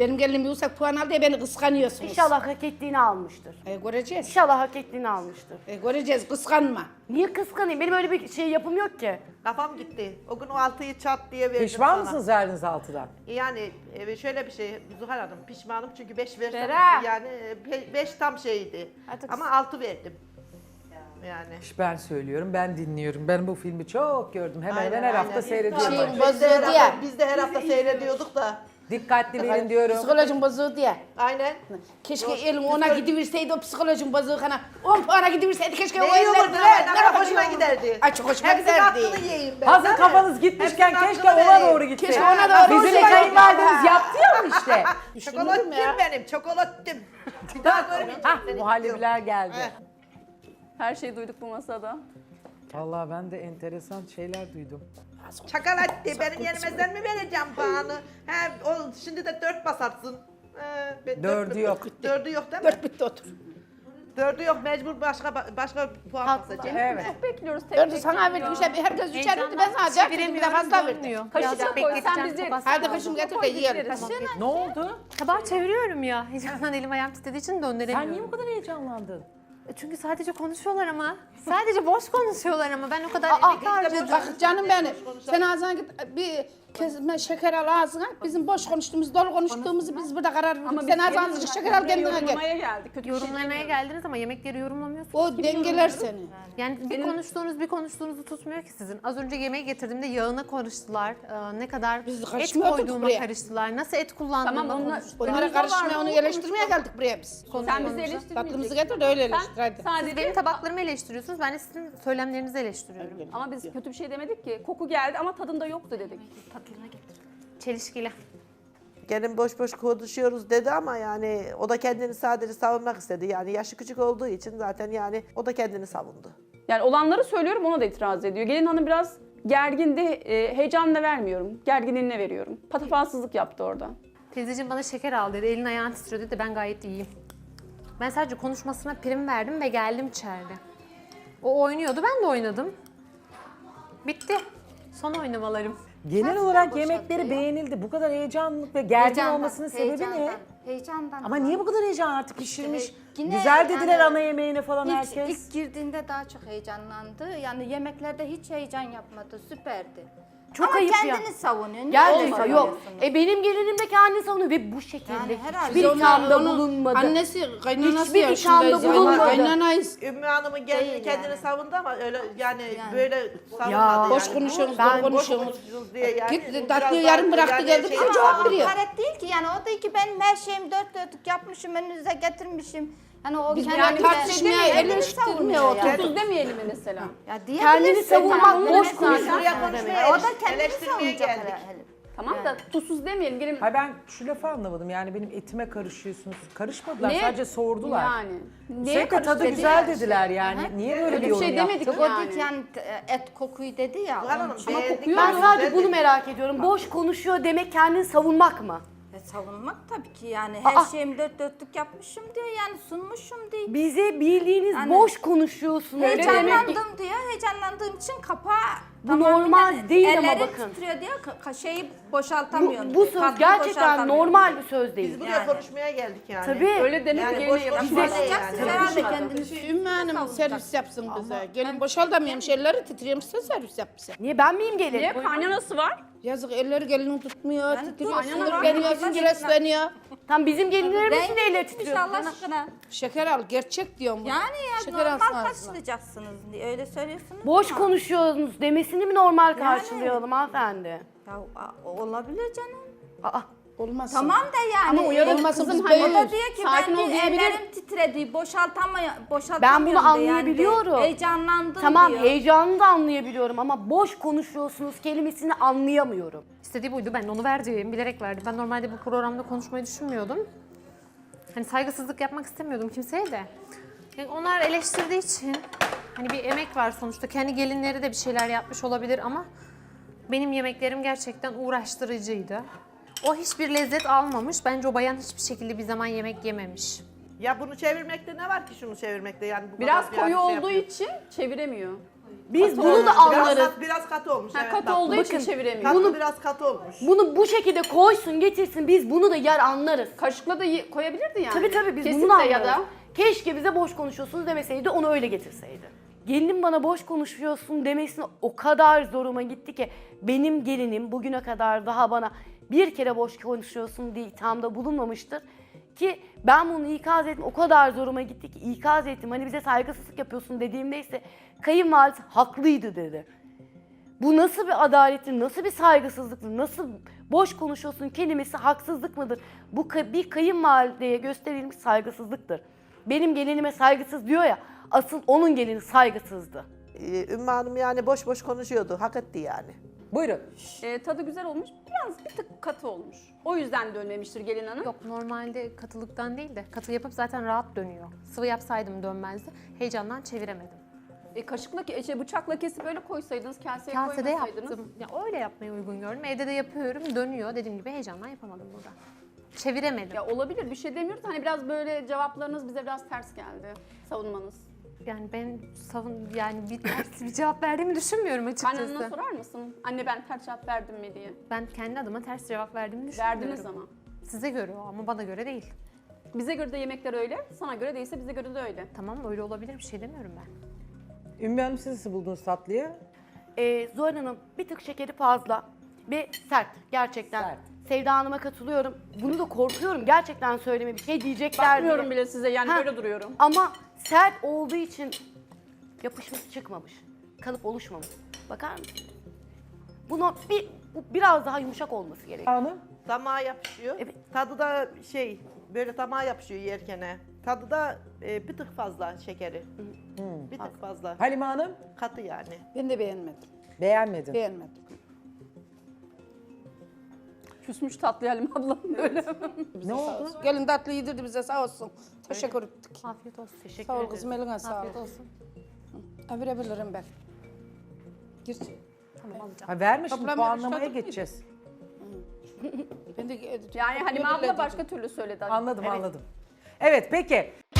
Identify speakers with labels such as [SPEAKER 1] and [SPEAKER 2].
[SPEAKER 1] Benim gelinim yüksek puan aldı ya beni kıskanıyorsunuz.
[SPEAKER 2] İnşallah hak ettiğini almıştır.
[SPEAKER 1] Göreceğiz.
[SPEAKER 2] İnşallah hak ettiğini almıştır.
[SPEAKER 1] Göreceğiz, kıskanma.
[SPEAKER 2] Niye kıskanayım? Benim öyle bir şey yapım yok ki.
[SPEAKER 3] Kafam gitti. O gün o 6'yı çat diye verdim
[SPEAKER 4] Pişman
[SPEAKER 3] sana.
[SPEAKER 4] mısınız verdiğiniz 6'dan?
[SPEAKER 3] Yani şöyle bir şey Zuhal Hanım, pişmanım çünkü 5 versem
[SPEAKER 1] Bera.
[SPEAKER 3] yani 5 tam şeydi. Ama 6 verdim. Yani.
[SPEAKER 4] Ben söylüyorum, ben dinliyorum. Ben bu filmi çok gördüm. Hemen hemen her hafta seyrediyorum.
[SPEAKER 1] Şey,
[SPEAKER 4] ben.
[SPEAKER 1] bozuldu
[SPEAKER 3] Biz de her hafta seyrediyorduk da.
[SPEAKER 4] Dikkatli verin diyorum.
[SPEAKER 1] Psikolojim bozuldu ya.
[SPEAKER 3] Aynen.
[SPEAKER 1] Keşke elim ona gidiverseydi o psikolojim bozuldu. 10 puana gidiverseydi keşke o
[SPEAKER 3] Ne iyi
[SPEAKER 1] eller
[SPEAKER 3] olurdu
[SPEAKER 1] bile.
[SPEAKER 3] ne kadar hoşuma giderdi.
[SPEAKER 1] Ay çok hoşuma
[SPEAKER 3] Hepsinin
[SPEAKER 1] giderdi.
[SPEAKER 3] hakkını yiyeyim ben.
[SPEAKER 4] Hazır
[SPEAKER 3] değil mi?
[SPEAKER 4] kafanız gitmişken
[SPEAKER 3] Hepsinin
[SPEAKER 4] keşke
[SPEAKER 3] hakkını
[SPEAKER 4] ona
[SPEAKER 3] vereyim.
[SPEAKER 4] doğru gitse.
[SPEAKER 1] Keşke ona doğru
[SPEAKER 4] Bizim de
[SPEAKER 1] gitse.
[SPEAKER 4] kayınvalideniz yaptı ya işte.
[SPEAKER 3] Çokolattım benim, çokolattım. Daha görmeyeceğim
[SPEAKER 4] Hah,
[SPEAKER 3] seni.
[SPEAKER 4] muhallebiler geldi.
[SPEAKER 5] Her şeyi duyduk bu masada.
[SPEAKER 4] Vallahi ben de enteresan şeyler duydum.
[SPEAKER 3] Çakalattı. Benim yerimizden mi vereceğim puanı? He, şimdi de 4 basarsın.
[SPEAKER 4] Dördü yok.
[SPEAKER 3] 4'ü yok değil mi?
[SPEAKER 1] 4 bitti otur.
[SPEAKER 3] 4'ü yok, mecbur başka puan basacağım.
[SPEAKER 4] Evet.
[SPEAKER 5] Bekliyoruz. Tek
[SPEAKER 1] 4'ü
[SPEAKER 5] tek
[SPEAKER 1] sana
[SPEAKER 5] geliyor.
[SPEAKER 1] verdim işte herkes 3'er verdi ben sana 4 verdim bir de fazla verdim.
[SPEAKER 5] Kaşıkla koy sen bizi.
[SPEAKER 1] Hadi kışım getir de yiyelim.
[SPEAKER 4] Ne oldu?
[SPEAKER 6] Tabağı çeviriyorum ya. Heyecandan elim ayağım titrediği için döndüremiyorum.
[SPEAKER 4] Sen niye bu kadar heyecanlandın?
[SPEAKER 6] Çünkü sadece konuşuyorlar ama. Sadece boş konuşuyorlar ama ben o kadar emek harcadım.
[SPEAKER 1] Bak canım benim. Sen ağzına git bir kesme şeker al ağzına. Bizim boş konuştuğumuz, dolu konuştuğumuzu biz burada karar verdik. Sen ağzına azıcık şeker al kendine gel.
[SPEAKER 5] Yorumlamaya geldik. Kötü bir şey
[SPEAKER 6] Yorumlamaya
[SPEAKER 5] demiyorum.
[SPEAKER 6] geldiniz ama yemekleri yorumlamıyorsunuz.
[SPEAKER 1] O dengeler seni.
[SPEAKER 6] Yani bir konuştuğunuzu tutmuyor ki sizin. Az önce yemeği getirdiğimde yağına karıştılar. Ne kadar
[SPEAKER 1] Biz
[SPEAKER 6] et
[SPEAKER 1] karışmıyorduk
[SPEAKER 6] koyduğuma
[SPEAKER 1] buraya.
[SPEAKER 6] karıştılar. Nasıl et kullandığıma
[SPEAKER 5] Tamam,
[SPEAKER 6] konuştular.
[SPEAKER 1] Onlara karışmaya, onu eleştirmeye geldik buraya biz.
[SPEAKER 5] Sen bizi eleştirmeyeceksin.
[SPEAKER 1] Tatlımızı getir de öyle eleştir hadi.
[SPEAKER 6] Siz
[SPEAKER 5] Sadece
[SPEAKER 6] benim tabaklarımı eleştiriyorsunuz. Ben de sizin söylemlerinizi eleştiriyorum.
[SPEAKER 5] ama biz kötü bir şey demedik ki. Koku geldi ama tadında yoktu dedik.
[SPEAKER 6] Çelişkili.
[SPEAKER 3] Gelin boş boş konuşuyoruz dedi ama yani o da kendini sadece savunmak istedi. Yani yaşı küçük olduğu için zaten yani o da kendini savundu.
[SPEAKER 5] Yani olanları söylüyorum, ona da itiraz ediyor. Gelin hanım biraz gergindi, heyecanla vermiyorum. Gerginliğine veriyorum. Patafalsızlık yaptı orada.
[SPEAKER 6] Teyzeciğim bana şeker al dedi. Elin ayağın titriyor dedi. Ben gayet iyiyim. Ben sadece konuşmasına prim verdim ve geldim içeride. O oynuyordu, ben de oynadım. Bitti. Son oynamalarım.
[SPEAKER 4] Genel olarak yemekleri beğenildi. Bu kadar heyecanlık ve gergin olmasının sebebi ne?
[SPEAKER 7] Heyecandan.
[SPEAKER 4] Ama niye bu kadar heyecan artık pişirmiş?
[SPEAKER 7] Yine
[SPEAKER 4] Güzel dediler
[SPEAKER 7] yani
[SPEAKER 4] ana yemeğine falan
[SPEAKER 7] İlk,
[SPEAKER 4] herkes.
[SPEAKER 7] ilk girdiğinde daha çok heyecanlandı. Yani yemeklerde hiç heyecan yapmadı. Süperdi.
[SPEAKER 2] Çok
[SPEAKER 7] Ama
[SPEAKER 2] ayıp ya.
[SPEAKER 7] kendini savunuyor. Niye
[SPEAKER 2] Gerçekten
[SPEAKER 7] olmadı
[SPEAKER 2] yok.
[SPEAKER 7] diyorsunuz?
[SPEAKER 2] Benim gelinim de kendini savunuyor ve bu şekilde
[SPEAKER 7] Yani herhalde.
[SPEAKER 2] hiçbir
[SPEAKER 1] Biz
[SPEAKER 2] ithamda
[SPEAKER 1] onun
[SPEAKER 2] bulunmadı.
[SPEAKER 1] Annesi, kaynanası
[SPEAKER 2] Hiçbir
[SPEAKER 1] yaşındayız.
[SPEAKER 2] ithamda bulunmadı.
[SPEAKER 1] Kaynanayız.
[SPEAKER 3] Ümmü Hanım'ın gelini
[SPEAKER 7] Değil
[SPEAKER 3] kendini
[SPEAKER 7] yani.
[SPEAKER 3] savundu ama öyle yani böyle savunmadı
[SPEAKER 2] Ya,
[SPEAKER 3] yani.
[SPEAKER 1] Boş konuşuyorsunuz,
[SPEAKER 2] Ben
[SPEAKER 1] dolu
[SPEAKER 3] Boş
[SPEAKER 1] konuşuyorsunuz.
[SPEAKER 3] konuşuyoruz diye yani.
[SPEAKER 1] Git
[SPEAKER 3] biraz
[SPEAKER 1] tatlıyı
[SPEAKER 3] daha
[SPEAKER 1] yarım bıraktı
[SPEAKER 3] yani
[SPEAKER 1] geldi
[SPEAKER 3] şey-
[SPEAKER 1] bize cevap veriyor.
[SPEAKER 7] Hakaret değil ki yani o da ki benim her şeyimi dört dörtlük yapmışım, önünüze getirmişim. Yani o
[SPEAKER 1] Biz
[SPEAKER 7] kendini
[SPEAKER 1] yani
[SPEAKER 7] de-
[SPEAKER 1] tartışmaya,
[SPEAKER 7] kendini
[SPEAKER 1] eleştirmeye
[SPEAKER 7] savunuyor
[SPEAKER 1] oturduk.
[SPEAKER 7] yani.
[SPEAKER 5] Tuz demeyelim mi mesela?
[SPEAKER 7] Ya
[SPEAKER 2] Kendini
[SPEAKER 7] diyebilirsin
[SPEAKER 2] savunmak
[SPEAKER 7] yani.
[SPEAKER 2] boş
[SPEAKER 3] Biz
[SPEAKER 2] konuşmak.
[SPEAKER 3] buraya konuşmaya
[SPEAKER 7] O da kendini
[SPEAKER 3] eleştirmeye
[SPEAKER 7] savunacak
[SPEAKER 3] geldik.
[SPEAKER 7] herhalde.
[SPEAKER 5] Tamam da tuzsuz demeyelim. Gelin
[SPEAKER 4] Hayır ben şu lafı anlamadım. Yani benim etime karışıyorsunuz. Karışmadılar.
[SPEAKER 5] Ne?
[SPEAKER 4] Sadece sordular.
[SPEAKER 5] Yani. Neye
[SPEAKER 4] Sürekli tadı
[SPEAKER 5] karıştı
[SPEAKER 4] güzel
[SPEAKER 5] dediler.
[SPEAKER 4] dediler yani. Niye böyle
[SPEAKER 5] Öyle
[SPEAKER 4] bir
[SPEAKER 5] bir
[SPEAKER 4] yorum
[SPEAKER 5] şey demedik
[SPEAKER 4] yaptın?
[SPEAKER 7] O
[SPEAKER 5] yani.
[SPEAKER 7] dik yani et kokuyu dedi ya.
[SPEAKER 3] Zuhal
[SPEAKER 7] onun
[SPEAKER 3] Hanım
[SPEAKER 7] için.
[SPEAKER 3] beğendik.
[SPEAKER 5] kokuyor
[SPEAKER 2] Ben
[SPEAKER 5] mu?
[SPEAKER 2] sadece bunu merak ediyorum. Boş konuşuyor demek kendini savunmak mı?
[SPEAKER 7] Savunmak tabii ki yani her
[SPEAKER 2] Aa!
[SPEAKER 7] şeyimi dört dörtlük yapmışım diyor yani sunmuşum diyor.
[SPEAKER 2] Bize bildiğiniz
[SPEAKER 7] Yani-
[SPEAKER 2] boş konuşuyorsunuz.
[SPEAKER 7] Heyecanlandım diyor. Heyecanlandığım için kapağı
[SPEAKER 2] Bu normal değil ama
[SPEAKER 7] ellerim
[SPEAKER 2] bakın.
[SPEAKER 7] titriyor diyor. Şeyi boşaltamıyorum.
[SPEAKER 2] Bu
[SPEAKER 7] diyor,
[SPEAKER 2] söz
[SPEAKER 7] tatlıyı
[SPEAKER 2] gerçekten
[SPEAKER 7] boşaltamıyorum
[SPEAKER 2] normal
[SPEAKER 7] diyor.
[SPEAKER 2] bir söz değil.
[SPEAKER 3] Biz buraya
[SPEAKER 7] Yani.
[SPEAKER 3] konuşmaya geldik yani.
[SPEAKER 2] Tabii.
[SPEAKER 5] Öyle demek
[SPEAKER 3] Yani
[SPEAKER 5] yerine
[SPEAKER 3] boş
[SPEAKER 5] yapar.
[SPEAKER 3] konuşma değil
[SPEAKER 7] Konuşacaksınız
[SPEAKER 3] yani.
[SPEAKER 7] herhalde kendiniz.
[SPEAKER 1] Ümmü Hanım servis yapsın bize. Gelin boşaltamıyorum şeyleri titriyorum size servis yap bize.
[SPEAKER 2] Niye ben miyim gelin?
[SPEAKER 5] Niye? Kaynanası var.
[SPEAKER 1] Yazık elleri gelini tutmuyor, titriyor,
[SPEAKER 7] aynen
[SPEAKER 1] sinirleniyor,
[SPEAKER 7] öyle.
[SPEAKER 1] sinirleniyor.
[SPEAKER 2] Tam bizim gelinlerimiz
[SPEAKER 7] Ben
[SPEAKER 2] de elle
[SPEAKER 7] gitmiş
[SPEAKER 2] titriyor.
[SPEAKER 7] Allah aşkına.
[SPEAKER 1] Şeker al, gerçek diyorum.
[SPEAKER 7] Yani ya
[SPEAKER 1] Şeker alsın
[SPEAKER 7] normal
[SPEAKER 1] ağzına.
[SPEAKER 7] karşılayacaksınız diye öyle söylüyorsunuz.
[SPEAKER 2] Boş
[SPEAKER 7] ama-
[SPEAKER 2] konuşuyorsunuz demesini mi normal karşılayalım hanımefendi?
[SPEAKER 7] Ya olabilir canım.
[SPEAKER 2] Aa,
[SPEAKER 1] Olmaz.
[SPEAKER 7] Tamam da yani.
[SPEAKER 1] Ama uyarın
[SPEAKER 7] olmasın
[SPEAKER 1] kızım,
[SPEAKER 7] O
[SPEAKER 1] hani
[SPEAKER 7] da diyor ki
[SPEAKER 5] sakin
[SPEAKER 7] ben
[SPEAKER 5] ol
[SPEAKER 7] diyor,
[SPEAKER 5] diyebilir.
[SPEAKER 7] ellerim titredi, boşaltamıyorum
[SPEAKER 2] Ben bunu
[SPEAKER 7] diyor
[SPEAKER 2] anlayabiliyorum.
[SPEAKER 7] Yani. Heyecanlandım
[SPEAKER 2] tamam
[SPEAKER 7] diyor.
[SPEAKER 2] heyecanını da anlayabiliyorum ama boş konuşuyorsunuz kelimesini anlayamıyorum.
[SPEAKER 6] İstediği buydu. Ben onu verdim. Bilerek verdim. Ben normalde bu programda konuşmayı düşünmüyordum. Hani saygısızlık yapmak istemiyordum kimseye de. Yani onlar eleştirdiği için hani bir emek var sonuçta. Kendi gelinleri de bir şeyler yapmış olabilir ama benim yemeklerim gerçekten uğraştırıcıydı. O hiçbir lezzet almamış. Bence o bayan hiçbir şekilde bir zaman yemek yememiş.
[SPEAKER 3] Ya bunu çevirmekte ne var ki şunu çevirmekte yani bu
[SPEAKER 5] Biraz
[SPEAKER 3] kadar
[SPEAKER 5] koyu
[SPEAKER 3] yani şey
[SPEAKER 5] olduğu
[SPEAKER 3] yapıyor.
[SPEAKER 5] için çeviremiyor.
[SPEAKER 2] Biz bunu da anlarız.
[SPEAKER 3] Biraz katı olmuş.
[SPEAKER 5] Ha,
[SPEAKER 3] evet,
[SPEAKER 5] katı
[SPEAKER 3] bak.
[SPEAKER 5] olduğu için
[SPEAKER 2] bakın,
[SPEAKER 5] çeviremiyor.
[SPEAKER 3] Tatlı biraz katı olmuş.
[SPEAKER 2] Bunu bu şekilde koysun getirsin biz bunu da yer anlarız.
[SPEAKER 5] Kaşıkla da koyabilirdi yani.
[SPEAKER 2] Tabii biz
[SPEAKER 5] Kesip
[SPEAKER 2] bunu
[SPEAKER 5] de
[SPEAKER 2] anlarız.
[SPEAKER 5] ya da
[SPEAKER 2] Keşke bize boş konuşuyorsunuz demeseydi onu öyle getirseydi. Gelinim bana boş konuşuyorsun demesine o kadar zoruma gitti ki benim gelinim bugüne kadar daha bana bir kere boş konuşuyorsun diye ithamda bulunmamıştır. Ki ben bunu ikaz ettim o kadar zoruma gitti ki ikaz ettim hani bize saygısızlık yapıyorsun dediğimde ise kayınvalidesi haklıydı dedi. Bu nasıl bir adalettir, nasıl bir saygısızlıktır, nasıl boş konuşuyorsun kelimesi haksızlık mıdır? Bu bir kayınvalideye gösterilmiş saygısızlıktır. Benim gelinime saygısız diyor ya, asıl onun gelini saygısızdı.
[SPEAKER 3] Ümmü Hanım yani boş boş konuşuyordu. Hak etti yani.
[SPEAKER 4] Buyurun.
[SPEAKER 5] tadı güzel olmuş. Biraz bir tık katı olmuş. O yüzden dönmemiştir gelin hanım.
[SPEAKER 6] Yok normalde katılıktan değil de katı yapıp zaten rahat dönüyor. Sıvı yapsaydım dönmezdi. Heyecandan çeviremedim.
[SPEAKER 5] Kaşıkla, bıçakla kesip öyle koysaydınız, kaseye
[SPEAKER 6] Kasede
[SPEAKER 5] koymasaydınız.
[SPEAKER 6] yaptım. Ya öyle yapmayı uygun gördüm. Evde de yapıyorum, dönüyor. Dediğim gibi heyecandan yapamadım burada. Çeviremedim.
[SPEAKER 5] Ya olabilir, bir şey demiyoruz. Hani biraz böyle cevaplarınız bize biraz ters geldi. Savunmanız.
[SPEAKER 6] Yani ben bir ters bir cevap verdiğimi düşünmüyorum açıkçası.
[SPEAKER 5] Kaynanana sorar mısın? Anne ben ters cevap verdim mi diye.
[SPEAKER 6] Ben kendi adıma ters cevap verdiğimi düşünmüyorum.
[SPEAKER 5] Verdiniz ama.
[SPEAKER 6] Size göre o ama bana göre değil.
[SPEAKER 5] Bize göre de yemekler öyle, sana göre değilse bize göre de öyle.
[SPEAKER 6] Tamam öyle olabilir bir şey demiyorum ben.
[SPEAKER 4] Ümmü Hanım siz nasıl buldunuz tatlıyı?
[SPEAKER 2] Zuhal Hanım bir tık şekeri fazla ve sert gerçekten.
[SPEAKER 4] Sert.
[SPEAKER 2] Sevda Hanım'a katılıyorum. Bunu da korkuyorum gerçekten söyleme bir şey diyecekler diye.
[SPEAKER 5] Bakmıyorum bile size yani
[SPEAKER 2] Ha,
[SPEAKER 5] böyle duruyorum.
[SPEAKER 2] Ama sert olduğu için yapışması çıkmamış. Kalıp oluşmamış. Bakar mısın? Bu biraz daha yumuşak olması gerekiyor.
[SPEAKER 4] Hanım?
[SPEAKER 3] Damağa yapışıyor.
[SPEAKER 2] Evet.
[SPEAKER 3] Tadı da böyle damağa yapışıyor yerkene. Tadı da bir tık fazla şekeri. Bir tık fazla.
[SPEAKER 4] Halime Hanım?
[SPEAKER 3] Katı yani.
[SPEAKER 1] Ben de beğenmedim.
[SPEAKER 4] Beğenmedin.
[SPEAKER 1] Beğenmedim.
[SPEAKER 5] Küsmüş tatlı Halim ablam böyle.
[SPEAKER 4] Ne oldu?
[SPEAKER 1] Gelin tatlı yedirdi bize sağ olsun. Teşekkür ettik.
[SPEAKER 6] Afiyet olsun.
[SPEAKER 2] Teşekkür
[SPEAKER 1] Sağ ol
[SPEAKER 2] ederim.
[SPEAKER 1] kızım eline sağlık.
[SPEAKER 6] Afiyet olsun.
[SPEAKER 1] Verebilirim ben. Gir.
[SPEAKER 6] Tamam alacağım.
[SPEAKER 4] Ha, verme şimdi
[SPEAKER 1] Toplam
[SPEAKER 4] puanlamaya
[SPEAKER 1] yarışmadık
[SPEAKER 4] geçeceğiz.
[SPEAKER 1] Ben de
[SPEAKER 5] Yani Halime abla başka türlü söyledi.
[SPEAKER 4] Anladım. Evet peki.